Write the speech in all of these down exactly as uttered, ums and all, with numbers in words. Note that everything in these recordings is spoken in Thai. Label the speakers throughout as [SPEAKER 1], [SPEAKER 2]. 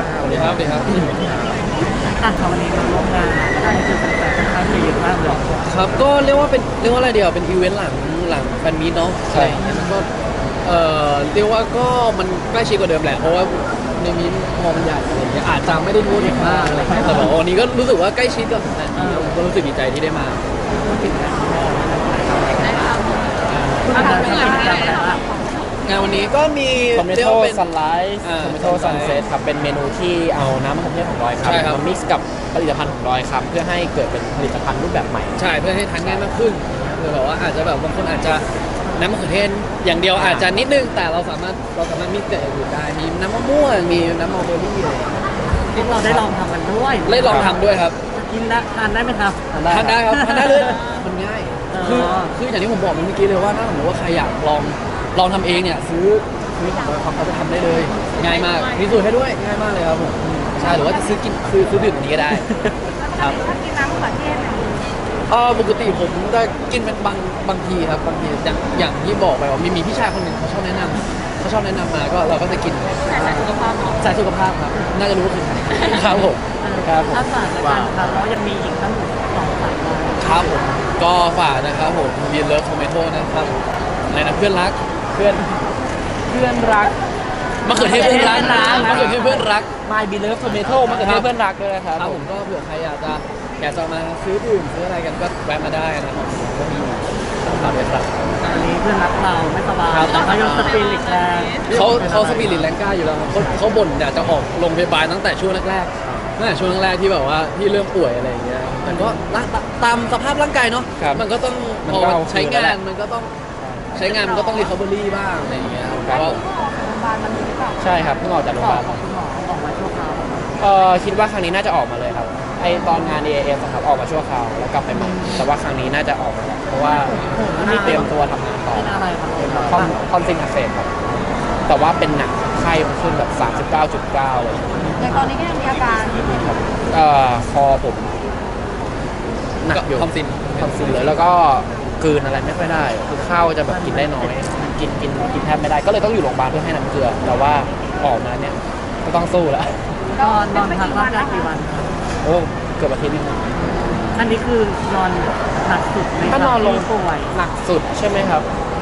[SPEAKER 1] สวัสดีครับสวัสดีครับ
[SPEAKER 2] อ่ะวันนี้มาร่วมงานได้เจอแฟนๆค่อนข้างเยอะมากเลย
[SPEAKER 1] ครับก็เรียกว่าเป็นเรียกว่าอะไรเดียวเป็นอีเวนต์หลังหลังแฟนมีตเนาะใช่มันก็เอ่อเรียกว่าก็มันใกล้ชิดกว่าเดิมแหละเพราะว่าในมีพอมันใหญ่อะไรอย่างเงี้ยอาจจะไม่ได้รู้ถึงมากอะไรเงี้ยแต่บอกวันนี้ก็รู้สึกว่าใกล้ชิดกับแฟนๆผมก็รู้สึกดีใจที่ได้มา
[SPEAKER 2] คุณทำเป็นงานอะไรบ้าง
[SPEAKER 1] งานวันนี้ก็มี
[SPEAKER 3] โทมิโต้ซันไลท์
[SPEAKER 1] อ่า
[SPEAKER 3] โทมิโต้ซันเซ็ตครับเป็นเมนูที่เอาน้ำมะเขือเทศของดอยคำ
[SPEAKER 1] ใช่ครับ
[SPEAKER 3] มา mix กับผลิตภัณฑ์ของดอยคำเพื่อให้เกิดเป็นผลิตภัณฑ์รูปแบบใหม่
[SPEAKER 1] ใช่เพื่อให้ทานง่ายมากขึ้นคือแบบว่าอาจจะแบบบางคนอาจจะน้ำมะเขือเทศอย่างเดียวอาจจะนิดนึงแต่เราสามารถเราสามารถมิกซ์กับอย่างอื่นได้มีน้ำมะม่วงมีน้ำมะเบอร์รี่อะไรอย่างเงี้ย
[SPEAKER 2] พวกเราได้ลองทำกันด้วย
[SPEAKER 1] ได้ลองทำด้วยครับ
[SPEAKER 2] กินได้ทานได้ไหมครับ
[SPEAKER 1] ทานได้ครับทานได้เลยมันง่าย
[SPEAKER 2] เออ
[SPEAKER 1] คือคืออย่างที่ผมบอกเมื่อกี้เลยว่าถ้าสมมติว่าใครอยากลองลองทำเองเนี่ยซื้อซื้อของเราทำเขาจะทำได้เลยง่ายมากมีสูตรให้ด้วยง่ายมากเลยครับผมใช่หรือว่าจะซื้อกินซื้อซื้อดื่มอันนี้ก็ได้ครับ
[SPEAKER 4] ถ้ากินน้ำมะเขือเทศเนี่ย
[SPEAKER 1] เออปกติผมจะกินเป็นบางบางทีครับบางทีอย่างอย่างที่บอกไปว่ามีมีพี่ชายคนหนึ่งเขาชอบแนะนำเขาชอบแนะนำมาก็เราก็จะกิน
[SPEAKER 4] แต่ใส่สุขภาพเนาะ
[SPEAKER 1] สายสุขภาพครับน่าจะรู้ว่าคือใครครับผม
[SPEAKER 3] ครับผม
[SPEAKER 2] ถ้าฝากแล้วกันครับแล้วยังมีอีกตั้งสองสายงาน
[SPEAKER 1] ครับผมก็ฝากนะครับผมวีเลิฟโทเมโต้นะครับอะไรนะเพื่อนรัก
[SPEAKER 3] เพื่อนเพื่อนรัก
[SPEAKER 1] มะเขือเทศเพื่อนรักมะเขือเทศเพื่อนรัก
[SPEAKER 3] My Beloved Tomato มะเขือเทศเพื่อนรักด้วยนะครับ
[SPEAKER 1] ครับผมก็เผื่อใครอยากจะอยากจะมาซื้อดื่มซื้ออะไรกันก็แวะมาได้นะครับก็มีฝากด้วยครับ
[SPEAKER 2] อันนี้เพื่อนรักเราไม่สบาย
[SPEAKER 1] ครับ
[SPEAKER 2] แต่เขายังสปิริตแรง
[SPEAKER 1] เขาเขาสปิริตแรงกล้าอยู่แล้วครับเขาเขาบ่นอยากจะออกโรงพยาบาลตั้งแต่ช่วงแรกๆตั้งแต่ช่วงแรกๆที่แบบว่าที่เริ่มป่วยอะไรอย่างเงี้ยแต่ก็ร่างตามสภาพร่างกายเนาะ
[SPEAKER 3] ครับ
[SPEAKER 1] มันก็ต้อง
[SPEAKER 3] มัน
[SPEAKER 1] พอ
[SPEAKER 3] ก็เอา
[SPEAKER 1] ใช้
[SPEAKER 3] คืนแล้ว
[SPEAKER 1] งา
[SPEAKER 3] แห
[SPEAKER 1] น
[SPEAKER 3] ละ
[SPEAKER 1] มันก็ต้องใช้งานมันก็ต้องรีคาบอรี่บ้างอะไรอย่างเงี้ยเพราะว่า
[SPEAKER 4] ก็ออกจากโรงพยาบาลมันมีหรือเปล่า
[SPEAKER 3] ใช่ครับเพิ่งออกจากโรงพ
[SPEAKER 2] ข
[SPEAKER 3] ยา
[SPEAKER 2] อบ
[SPEAKER 3] าล
[SPEAKER 2] คุณหมอออกมาชั่วคราว
[SPEAKER 3] เออคิดว่าครั้งนี้น่าจะออกมาเลยครับไอตอนงาน เอ เอ เอฟ อะครับออกมาชั่วคราวแล้วกลับไปใหม่แต่ว่าครั้งนี้น่าจะออกมาแล้วเพราะว่าที่เตรียมตัวทำงานต่อ
[SPEAKER 2] เป็นอะไรครับ
[SPEAKER 3] เป็นคอนคอนซิงอักเสบครับแต่ว่าเป็นหนักไข้มันขึ้นแบบ สามสิบเก้าจุดเก้า เลย
[SPEAKER 4] แต่ตอนนี้ก็ยังมีอาการ
[SPEAKER 3] เอ่อคอผมหนักอยู่
[SPEAKER 1] ทอมซิน
[SPEAKER 3] ทอมซินเลยแล้วก็กลืนอะไรไม่ค่อยได้คือข้าวจะแบบกินได้น้อยกินกินกินแทบไม่ได้ก็เลยต้องอยู่โรงพยาบาลเพื่อให้น้ำเกลือแต่ว่าออกมาเนี่ยก็ต้องสู้แล้ว
[SPEAKER 2] นอนนอนพักร่างกายกี่วันครับ
[SPEAKER 3] โอ้เกือบอาทิตย์นึง
[SPEAKER 2] อันนี้คือนอนหนักสุดไหม
[SPEAKER 3] ถ้านอนลง
[SPEAKER 2] ที่ป่วย
[SPEAKER 3] หนักสุดใช่ไหมครับ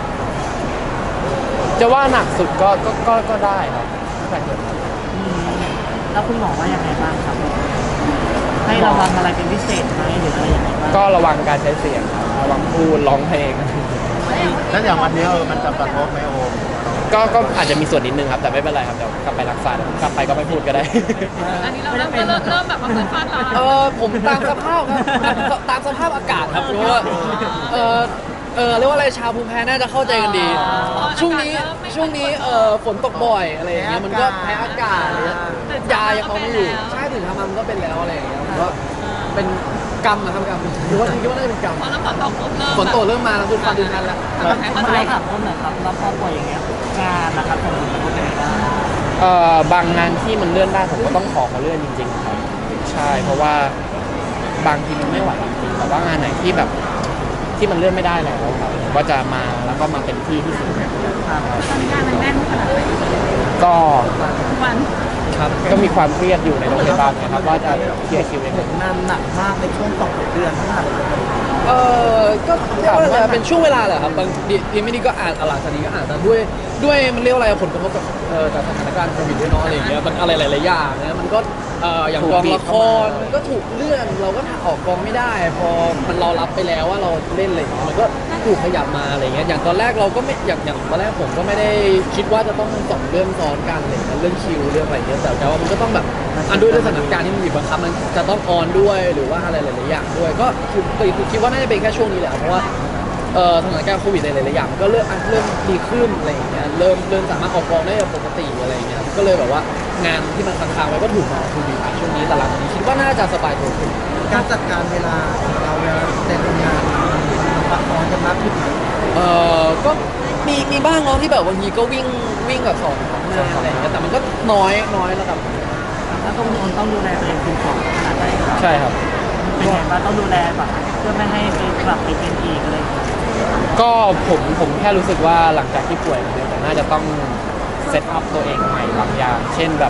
[SPEAKER 3] จะว่าหนักสุดก็ก็ก็ก็ได้ครับแต่เห็นครับ
[SPEAKER 2] อืมแล้วคุณหมอว่ายังไงบ้างครับ ให้ระวังอะไรเป็นพิเศษไหมหรืออะไรยังไงบ้าง
[SPEAKER 3] ก็ระวังการใช้เสียงครับระวังพูดร้องเพลง
[SPEAKER 5] แล้วอย่างวันนี้เออมันจะกระทบไหมโอม
[SPEAKER 3] ก็ก็อาจจะมีส่วนนิดนึงครับแต่ไม่เป็นไรครับเดี๋ยวกลับไปรักษาเดี๋ยวกลับไปก็ไม่พูดก็ได้
[SPEAKER 4] อันนี้เราเริ่มเริ่มเริ่มแบบว่าเริ่มฟาดเรา
[SPEAKER 1] เออผมตามสภาพครับตามสภาพอากาศครับเพราะว่าเออเออเรียกว่าอะไรชาวภูมิแพ้น่าจะเข้าใจกันดี ช่วงนี้ช่วงนี้เออฝนตกบ่อยอะไรอย่างเงี้ยมันก็แพ้อากาศอะไรเงี้ยยายังเอาไม่อยู่ใช่ถึงทำมามันก็เป็นแล้วอะไรอย่างเงี้ยมันก็เป็นกรรมนะครับกรรมคิดว่าคิดว่าน่าจะเป็นกรรม
[SPEAKER 4] พอเริ่มฝนตกปุ๊บเริ่ม
[SPEAKER 1] ฝนตกเริ่มมาแล้วคือฟันดินนั่นแล้ว
[SPEAKER 4] แบบแพ้
[SPEAKER 2] มา
[SPEAKER 4] เข้าใจ
[SPEAKER 2] ถามต้นหน่อยครับแล้วพอป่วยอย่างเงี้ยงานนะครับผมเป็นยังไงบ้าง
[SPEAKER 3] เอ่อบางงานที่มันเลื่อนได้ผมก็ต้องขอเขาเลื่อนจริงๆครับใช่เพราะว่าบางทีมันไม่ไหวจริงๆแต่ว่างานไหนที่แบบที่มันเลื่อนไม่ได้แล้วครับผมก็จะมาแล้วก็มาเป็นที่ที่สุด
[SPEAKER 2] ครับ
[SPEAKER 4] ตอนนี้งานมันแน่นขนาดไหน
[SPEAKER 3] ก็
[SPEAKER 4] ทุกวัน
[SPEAKER 1] ครับ
[SPEAKER 3] ก็มีความเครียดอยู่ในโรงพยาบาลนะครับว่าจะเคลียร์คิวยังไง
[SPEAKER 2] งานหนักมากในช่วงสองเดือนที่ผ่านมา
[SPEAKER 1] เออก็เรียกว่าอะไรเป็นช่วงเวลาแหละครับบางทีทีไม่ดีก็อาจหลังจากนี้ก็อาจจะด้วยด้วยมันเรียกว่าอะไรผลกระทบกับเอ่อจากสถานการณ์โควิดด้วยเนาะอะไรอย่างเงี้ยมันอะไรหลายๆอย่างนะมันก็เอ่ออย่างกองละครมันก็ถูกเลื่อนเราก็ออกกองไม่ได้ พอมันเรารับไปแล้วว่าเราเล่นอะไรอย่างเงี้ยมันก็ถูกขยับมาอะไรเงี้ยอย่างตอนแรกเราก็ไม่อย่างอย่างตอนแรกผมก็ไม่ได้คิดว่าจะต้องสองเรื่องซ้อนกันอะไรเลยเรื่องคิวเรื่องอะไรเงี้ยแต่แต่ว่ามันก็ต้องแบบอันด้วยด้วยสถานการณ์ที่มันบีบบังคับมันจะต้องออนด้วยหรือว่าอะไรหลายๆอย่างด้วยก็คือคือคิดว่าน่าจะเป็นแค่ช่วงนี้แหละเพราะว่าเอ่อสถานการณ์โควิดในหลายๆอย่างมันก็เริ่มอ่ะเริ่มดีขึ้นอะไรอย่างเงี้ยเริ่มเริ่มสามารถออกกองได้ปกติอะไรอย่างเงี้ยก็เลยแบบว่างานที่มันค้างๆไว้ก็ถูกมาคือดีช่วงนี้แต่หลังจากนี้คิดว่าน่าจะสบายตัวขึ้น
[SPEAKER 5] การจัดการเวลาของเราเวลาแต่ทำงานปักออนกันมากขึ้นไหม
[SPEAKER 1] เอ่อก็มีมีบ้างเนาะที่แบบบางทีก็วิ่งวิ่งแบบสองสองงานอะไรอย่างเงี้ยแต่มันก็น้อยน้อยระดับ
[SPEAKER 2] แล้วต้องต้องดูแลตัวเองคุณของขนาดไหนครับ
[SPEAKER 3] ใช่ครับ
[SPEAKER 2] เป็นไงบ้างต้องดูแลแบบเพื่อไม่ให้ไปกลับไปเป็นอีกอะไรอย่างเงี้ย
[SPEAKER 3] ก็ผมผมแค่รู้สึกว่าหลังจากที่ป่วยมาเนี่ยผมน่าจะต้องเซตอัพตัวเองใหม่บางอย่าง เช่นแบบ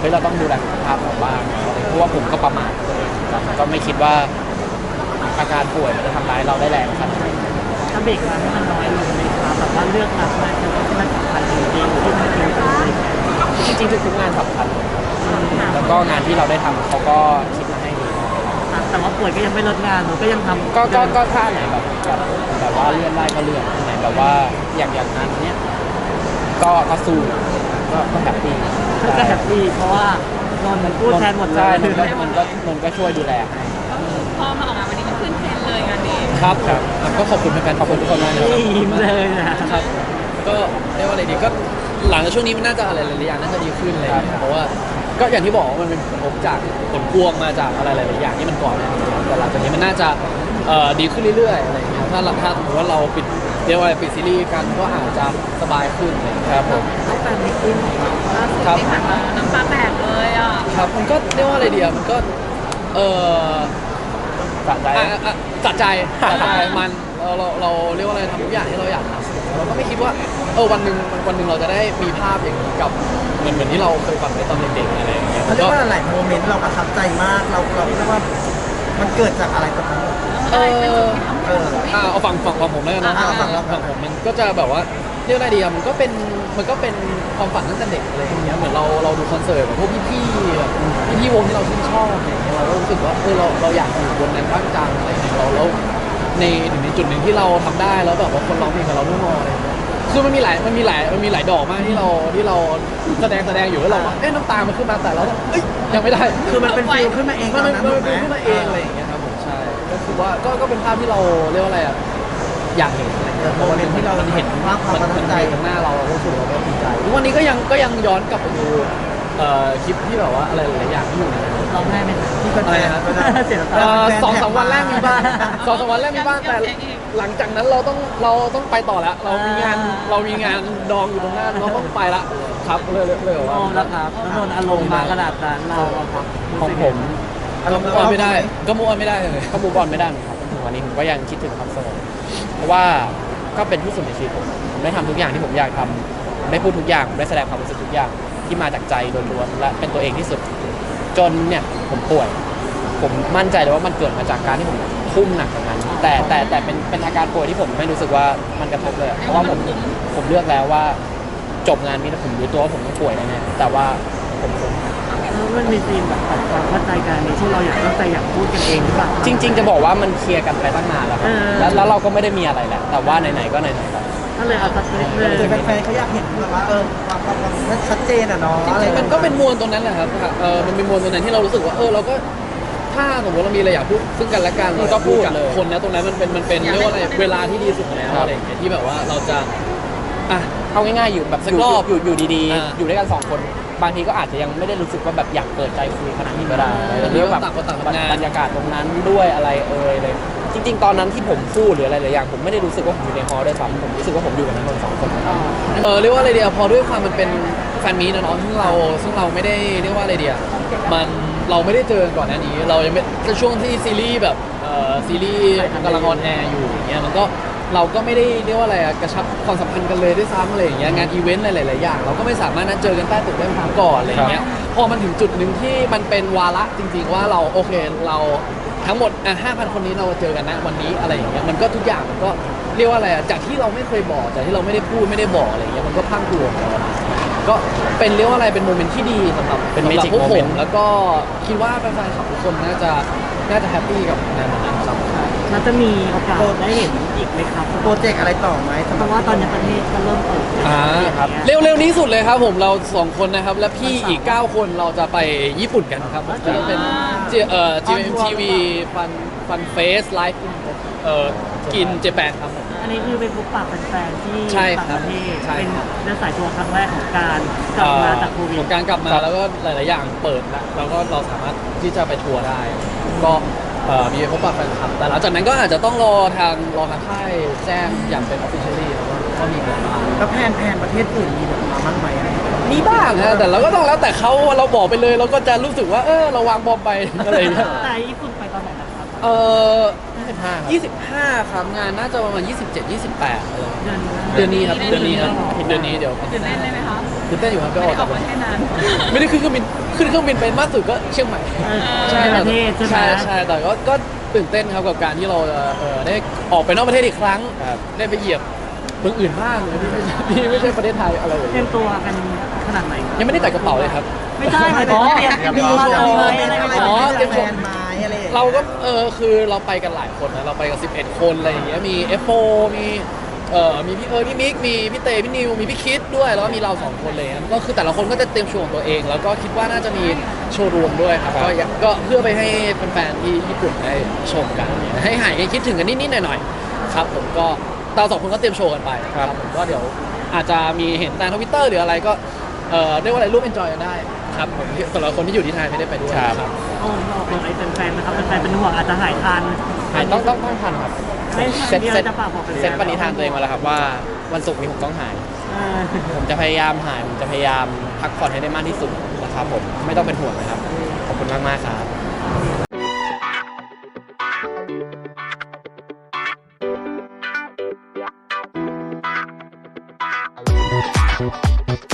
[SPEAKER 3] เฮ้ยเราต้องดูแลสุขภาพเราบ้างอะไรเพราะว่าผมก็ประมาทตัวเองครับก็ไม่คิดว่าอาการป่วยมันจะทำร้ายเราได้แรงขนาดนี้
[SPEAKER 2] ถ้าเบรกงานให้มันน้อยลงเลยครับแบบว่าเลือกรับงานที่มันสำคัญจริงๆที่มันเป็นตัวเอง
[SPEAKER 3] จริงๆทุกๆงานสำคัญเลยครับแล้วก็งานที่เราได้ทำเขาก็คิดมาให้ดี
[SPEAKER 2] แต่ว่าป่วยก็ยังไม่ลดงานหนูก็ยังทำ
[SPEAKER 3] ก็ก็ก็ถ้าไหนแบบแบบแบบว่าเลื่อนได้ก็เลื่อนไหนแบบว่าอย่างอย่างงานเนี้ยก็ก็สู้ก็ก็แฮปปี้
[SPEAKER 2] ก็แฮปปี้เพราะว่านนท์พูดแทนหมดเล
[SPEAKER 3] ใช่
[SPEAKER 2] ย
[SPEAKER 3] มันก็มันก็มันก็ช่วยดูแลให้
[SPEAKER 4] พอมาออกงานวันนี้ก็ขึ้นเทรนด์เลยงานนี้
[SPEAKER 1] ครับครับก็ขอบคุณแฟนๆขอบคุณทุกคนมากนะครับ
[SPEAKER 2] ยิ้มเลยนะครับ
[SPEAKER 1] ก็เรียกว่าอะไรดีก็หลังจากช่วงนี้มันน่าจะอะไรหลายๆอย่างน่าจะดีขึ้นอะไรอย่างเลยเพราะว่าก็อย่างที่บอกว่ามันเป็นผลกระทบจากผลพวงมาจากอะไรหลายๆอย่างที่มันก่อนหน้านี้แต่หลังจากนี้มันน่าจะเอ่อดีขึ้นเรื่อยๆอะไรอย่างเงี้ยถ้าถ้าสมมติว่าเราปิดเรียกว่าอะไรปิดซีรีส์กันก็อาจจะสบายขึ้นอะไรอย่างเงี้ยครับผม
[SPEAKER 2] ต้องการมิตติ้งของเรา
[SPEAKER 4] ล่าสุดที่ผ่านมาน้ำตาแตกเลยอ่ะ
[SPEAKER 1] ครับมันก็เรียกว่าอะไรดีอะมันก็เออ
[SPEAKER 3] สะใจ
[SPEAKER 1] อ่ะอ่ะอ่ะสะใจสะใจมันเราเราเราเรียกว่าอะไรทำทุกอย่างที่เราอยากทำเราก็ไม่คิดว่าเออวันหนึ่งวันหนึ่งเราจะได้มีภาพอย่างนี้กับเหมือนเหมือนที่เราเคยฝันไว้ตอนเด็กๆอะไรอย่างเงี้ย
[SPEAKER 5] เขาเรียกว่าหลายโมเมนต์เราประทับใจมากเราเราเรียกว่ามันเกิดจากอะไรตรงนั้น
[SPEAKER 1] เอ
[SPEAKER 4] อะไรเป็น
[SPEAKER 1] อ
[SPEAKER 4] จุดที่ทำให้เรารู้สึก
[SPEAKER 1] อ่าเอาฝั่งฝั่งฝั่งผมแล้วกันนะ
[SPEAKER 5] อ่าฝั่งเรา
[SPEAKER 1] ฝั่งผมมันก็จะแบบว่าเรียกอะไรดีอะมันก็เป็นมันก็เป็นความฝันตั้งแต่เด็กอะไรอย่างเงี้ยเหมือนเราเราดูคอนเสิร์ตกับพวกพี่ๆแบบพี่ๆวงที่เราชื่นชอบอะไรอย่างเงี้ยเราก็รู้สึกว่าเออเราเราอยากอยู่บนนั้นบ้างจังอะไรอย่างเงี้ยเราแล้วในถึงในจุดหนึ่งที่เราทำได้แล้วแบบว่าคนร้องเพลงกับเราด้วยมออะไรอย่างเงี้ยคือมันมีหลายมันมีหลายมันมีหลายดอกมากที่เราที่เราแสดงแสดงอยู่แล้วเราว่าเอ๊ะน้ำตามันขึ้นมาแต่เราก็เอ้ยยังไม่ได้
[SPEAKER 5] คือมันเป็นฟิลขึ้นมาเองต
[SPEAKER 1] มั
[SPEAKER 5] อน น
[SPEAKER 1] เป็น
[SPEAKER 5] นั้น
[SPEAKER 1] มัน
[SPEAKER 5] ถูกไหม
[SPEAKER 1] เป็นขึ้นมาเองอะไรอย่างเงี้ยครับผมใช่ก็คือว่าก็ก็เป็นภาพที่เราเรียกว่าอะไรอ่ะอยากเห็นอะไรเงี้ยเพราะว่าที่เราเห็น
[SPEAKER 5] ภาพความ
[SPEAKER 1] มัน
[SPEAKER 5] ประทั
[SPEAKER 1] มั
[SPEAKER 5] บ
[SPEAKER 1] น
[SPEAKER 5] ใจ
[SPEAKER 1] อยู่ตรงหน้าเราเราก็รู้สึกเราก็ดีใจทุกวันนี้ก็ยังก็ยังย้อนกลับไปดูเอ่อคลิปที่แบบว่าอะไรหลายๆอย่างที่อยู่ในนั้น
[SPEAKER 2] ร้องไห้ไหม
[SPEAKER 5] ที่เป็น
[SPEAKER 1] อะไรนะครับ
[SPEAKER 2] เสียน้ำ
[SPEAKER 1] เอ่
[SPEAKER 2] ตา
[SPEAKER 1] อสองสามวันแรกมีบ้างสองสามวันแรกมีบ้างแต่หลังจากนั้นเราต้องเราต้องไปต่อแล้ว เรามีงานเรามีงานดองอยู่ตรงหน้าเราต้องไปละครับเลยเลยเลย
[SPEAKER 2] โอ้
[SPEAKER 1] ว่า
[SPEAKER 2] แล้วครับแล้วนนท์อารมณ์มาขนาดนั้นเราอะครับ
[SPEAKER 3] ของผม
[SPEAKER 5] อารมณ์
[SPEAKER 1] ก็ไม่ได้ก็มูออนไม่ได้เลย
[SPEAKER 3] ก็มูบอลไม่ได้เหมือนกันครับถึงวันนี้ผมก็ยังคิดถึงความสงบเพราะว่าก็เป็นที่สุดในชีวิตผมผมได้ทำทุกอย่างที่ผมอยากทำผมได้พูดทุกอย่างผมได้แสดงความรู้สึกทุกอย่างที่มาจากใจล้วนๆและเป็นตัวเองที่สุดจนเนี่ยผมป่วย ผมมั่นใจเลยว่ามันเกิดมาจากการที่ผมทุ่มหนักกับมันแต่แต่แต่เป็นเป็นอาการป่วยที่ผมไม่รู้สึกว่ามันกระทบเลยอะเพราะว่าผมผมเลือกแล้วว่าจบงานนี้แล้วผมรู้ตัวว่าผมต้องป่วยแน่ๆแต่ว่าผมทน
[SPEAKER 2] แล้วมันมีซีนแบบปรับความเข้าใจกันนี้ที่เราอยากตั้งใจอยากพูดกันเองหรือเปล่า
[SPEAKER 3] จริง ๆ จะบอกว่ามันเคลียร์กันไปตั้งนานแล้วครับ
[SPEAKER 2] เออ
[SPEAKER 3] แล้วแล้วเราก็ไม่ได้มีอะไรแหละแต่ว่าไหนๆก็ไหนๆแล้ว
[SPEAKER 2] ก็เลยเอาสักนิดนึง
[SPEAKER 5] คือแฟนๆเขาอยากเห็นแบบว่าเออความความความชัดเจนอ่ะเนาะ
[SPEAKER 1] จริงๆมันก็เป็นมวลตรงนั้นแหละครับเออมันเป็นมวลตรงนั้นที่เรารู้สึกว่าเออเราก็ถ้าสมมติเรามีอะไรอยากพูดซึ่งกันและกัน
[SPEAKER 3] อืมก็พูด
[SPEAKER 1] กับ
[SPEAKER 3] เลย
[SPEAKER 1] คนนะตรงนั้นมันเป็นมันเป็นเรียกว่าอะไรเวลาที่ดีสุดแล้ว
[SPEAKER 3] ครับ
[SPEAKER 1] อะไรอย่างเงี้ยที่แบบว่าเราจะอ่ะ
[SPEAKER 3] เอาง่ายๆอยู่แบบ
[SPEAKER 1] สัก
[SPEAKER 3] อยู่
[SPEAKER 1] รอบ
[SPEAKER 3] อยู่อยู่ดี
[SPEAKER 1] อ่า
[SPEAKER 3] ๆ อยู่ด้วยกันสองคน บางทีก็อาจจะยังไม่ได้รู้สึกว่าแบบอยากเปิดใจคุยขนาดนี้ก็ได้
[SPEAKER 1] อืม
[SPEAKER 3] หรือแบบ
[SPEAKER 1] ต่างคนต่างทำงาน
[SPEAKER 3] บรรยากาศตรงนั้นด้วยอะไรเอ่ยเลย จริง ๆ ตอนนั้นที่ผมพูดหรืออะไรหลายอย่างผมไม่ได้รู้สึกว่าผมอยู่ในฮอลล์ด้วยซ้ำผมรู้สึกว่าผมอยู่กับนักดนตรีสองคน
[SPEAKER 1] เออเรียกว่าอะไรเดียพอด้วยความมันเป็นแฟนมีตนะเนาะซึ่งเราซึ่งเราไม่ได้เรียกว่าอะไรเดียมันเราไม่ได้เจอกันก่อนหน้านี้ เรายังไม่ในช่วงที่ซีรีส์แบบเอ่อซีรีส์กำลังออนแอร์อยู่อย่างเงี้ยมันก็เราก็ไม่ได้เรียกว่าอะไรอะกระชับความสัมพันธ์กันเลยด้วยซ้ำอะไรอย่างเงี้ยงานอีเวนต์หลายๆอย่างเราก็ไม่สามารถนัดเจอกันใต้ตึกได้เหมือนก่อนอะไรอย่างเงี้ยพอมันถึงจุดหนึ่งที่มันเป็นวาระจริง ๆ ว่าเราโอเคเราทั้งหมดอ่ะห้าพันคนนี้เราเจอกันนะวันนี้อะไรอย่างเงี้ยมันก็ทุกอย่างมันก็เรียกว่าอะไรอะจากที่เราไม่เคยบอกจากที่เราไม่ได้พูดไม่ได้บอกอะไรอย่างเงี้ยมันก็พรังพรูออกมา ก็เป็นเรียกว่าอะไรเป็นโมเมนต์ที่ดีสำหรับ
[SPEAKER 3] เป็น
[SPEAKER 1] สำหรับ
[SPEAKER 3] magic
[SPEAKER 1] พวกผม
[SPEAKER 3] moment
[SPEAKER 1] แล้วก็คิดว่าแฟนๆขับทุกคนน่าจะน่าจะแฮปปี้กับงานวันนั้นครับ
[SPEAKER 2] มันจะมีโอกาสได้เห็นอีกไหมครับ
[SPEAKER 5] โปรเจกต์อะไรต่อไหมสำห
[SPEAKER 2] เพ
[SPEAKER 5] รับ
[SPEAKER 2] ราะว่าตอนนี้ประเทศก็เริ่มเปิด
[SPEAKER 1] อ่า
[SPEAKER 3] ครับ
[SPEAKER 1] เร็วๆนี้สุดเลยครับผมเราสองคนนะครับ และพี่อีก เก้า คนเราจะไปญี่ปุ่นกันครับผมจะเป็นเจเอ่อ จี เอ็ม ที วี ฟันฟันเฟสไลฟ์เอ่อกินเจแปนครับผม
[SPEAKER 2] อันนี้คือเป็นพบปะแฟนๆที่
[SPEAKER 1] ใช่
[SPEAKER 2] ต่าง
[SPEAKER 1] ครั
[SPEAKER 2] ป
[SPEAKER 1] บ
[SPEAKER 2] ระเทศ
[SPEAKER 1] ใช่
[SPEAKER 2] เป็น
[SPEAKER 1] ครับ
[SPEAKER 2] เดินสายทัวร์ครั้งแรกของการกลับมาจากโควิด
[SPEAKER 1] ของการกลับมาแล้วก็หลาย ๆ อย่างเปิดแล้วแล้วก็เราสามารถที่จะไปทัวร์ได้ ก็เอ่อมีพบปะแฟนคลับแต่หลังจากนั้นก็อาจจะต้องรอทางรอทางค่ายแจ้งอย่างเป็น officially แล้วก็ก็มีกันบ้าง
[SPEAKER 5] แล้วแพนแพนประเทศอื่นมีแบบมาบ้างไหม
[SPEAKER 1] มีบ้างฮะแต่เราก็ต้องแล้วแต่เขาเราบอกไปเลยเราก็จะรู้สึกว่าเออเราวางบอมไปอะไรอย่างเงี้ย
[SPEAKER 2] แต่ญี่ปุ่นไปตอนไหนนะครับ
[SPEAKER 1] เออ
[SPEAKER 3] สิบห้าครับ
[SPEAKER 1] ยี่สิบห้าครับงานน่าจะประมาณยี่สิบเจ็ด ยี่สิบแปดอะไร
[SPEAKER 2] เดือน
[SPEAKER 1] เดือนนี้ครับเดือนนี้ครับเดือนนี้เดี๋ยว
[SPEAKER 4] ตื่นเต้นเลยไหมคะ
[SPEAKER 1] ตื่นเต้นอยู่ครับไป
[SPEAKER 4] ไม่
[SPEAKER 1] อ
[SPEAKER 4] ได้
[SPEAKER 1] อก
[SPEAKER 4] อ
[SPEAKER 1] จา
[SPEAKER 4] อก กมาแค่นั้น
[SPEAKER 1] ไม่ได้ขึ้นเครื่องบินขึ้นเครื่องบินไปมากสุดก็เชียงใหม่
[SPEAKER 2] ใช่ประเทศใช่ไหม
[SPEAKER 1] ใช่ใช่แต่ก็ก็ตื่นเต้นครับกับการที่เราจะเออได้ออกไปนอกประเทศอีกครั้ง
[SPEAKER 3] ครับ
[SPEAKER 1] ได้ไปเหยียบเมืองอื่นบ้างที่ไม่ใช่ที่ไม่ใช่ประเทศไทยอะไรอย่าง
[SPEAKER 2] เตรี
[SPEAKER 1] เงี้
[SPEAKER 2] ย
[SPEAKER 1] ย
[SPEAKER 2] มตัวกันขนาดไหน
[SPEAKER 1] ยังไม่ได้แต่กระเป๋าเลยครับ
[SPEAKER 2] ไม่ใช่หมายถึงว่าเตรียม
[SPEAKER 5] มี
[SPEAKER 2] ตัว
[SPEAKER 5] โช
[SPEAKER 2] ทำ
[SPEAKER 5] ว์
[SPEAKER 2] ไหม
[SPEAKER 5] มี
[SPEAKER 2] อะไร
[SPEAKER 5] อะไร
[SPEAKER 2] แบบ
[SPEAKER 1] อ๋อ
[SPEAKER 5] เตรียมแฟนไม้อะไรอย่างเงี้ย
[SPEAKER 1] เราก็เออคือเราไปกันหลายคนนะเราไปกันสิบเอ็ดคนอะไรอย่างเงี้ยมี เอฟ โฟร์ มีเอ่อมีพี่เอิร์ธพี่มิกมีพี่เตพี่นิวมีพี่คิดด้วยแล้วก็มีเราสองคนเลยนะก็คือแต่ละคนก็จะเตรียมโชว์ของตัวเอง แล้วก็คิดว่าน่าจะมีโชว์รวมด้วยครับก็อยากก็เพื่อไปให้แฟนๆที่ญี่ปุ่นได้ชมกันเนี่ยให้หายกันคิดถึงกันนิดๆหน่อยๆครับผมก็เราสองคนก็เตรียมโชว์กันไปครับผมก็เดี๋ยวอาจจะมีเห็นตามทวิตเตอร์หรืออะไรก็เอ่อเรียกว่าอะไรร่วมเอนจอยกันได้ครับผมสำหรับคนที่อยู่ที่ไทยไม่ได้ไปด้วย
[SPEAKER 3] ครับ
[SPEAKER 1] ครับ
[SPEAKER 2] โอ้บอกบอกไอ้แฟนๆนะครับแฟนๆเป็นห่วงอาจจะหายทัน
[SPEAKER 3] หายต้องต้องต้องทันครับ
[SPEAKER 2] ไม่
[SPEAKER 3] เซ็ต
[SPEAKER 2] มีอะไร
[SPEAKER 3] เซ็ต
[SPEAKER 2] จะฝากบอกแฟนๆ
[SPEAKER 3] เซ็ตปณิธานตัวเองมาแล้วครับว่าวันศุกร์นี้ผมต้องหาย
[SPEAKER 2] เออ
[SPEAKER 3] ผมจะพยายามหาย ผมจะพยายามพักผ่อนให้ได้มากที่สุดนะครับผม ไม่ต้องเป็นห่วงนะครับ ขอบคุณมากมากๆครับ